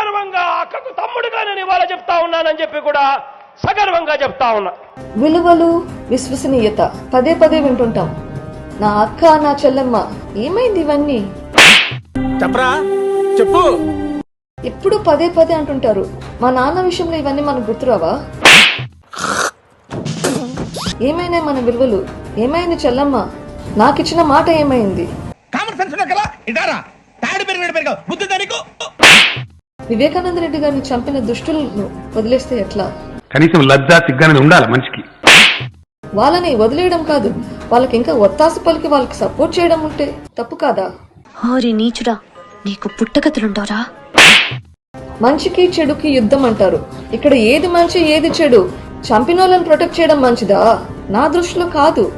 సగర్వంగా అక్కకు తమ్ముడుగా నేను ఇవాళ చెప్తా ఉన్నానని చెప్పి కూడా సగర్వంగా చెప్తా ఉన్నా. విలువలు, విశ్వసనీయత పదే పదే వింటుంటాం. నా అక్క, నా చెల్లెమ్మ, ఏమైంది ఇవన్నీ? చెప్పరా చెప్పు. ఎప్పుడు పదే పదే అంటుంటారు. మా నాన్న విషయంలో ఇవన్నీ మనకు గుర్తురావా? ఏమైనా మన విలువలు? ఏమైంది చెల్లమ్మ? నాకిచ్చిన మాట ఏమైంది? వివేకానంద రెడ్డి గారిని చంపిన దుష్టులను వదిలేస్తే ఎట్లా? కనీసం లజ్జా సిగ్గానే ఉండాలి మనిషికి. వాళ్ళని వదిలేయడం కాదు, వాళ్ళకి ఇంకా ఒత్తాసు పలికి వాళ్ళకి సపోర్ట్ చేయడం ఉంటే తప్పు కాదా? ఓరి నీచుడా, నీకు పుట్టగతులుండోరా? మంచికి చెడుకి యుద్ధం అంటారు. ఇక్కడ ఏది మంచి ఏది చెడు, చంపినోళ్ళని ప్రొటెక్ట్ చేయడం మంచిదా? నా దృష్టిలో కాదు.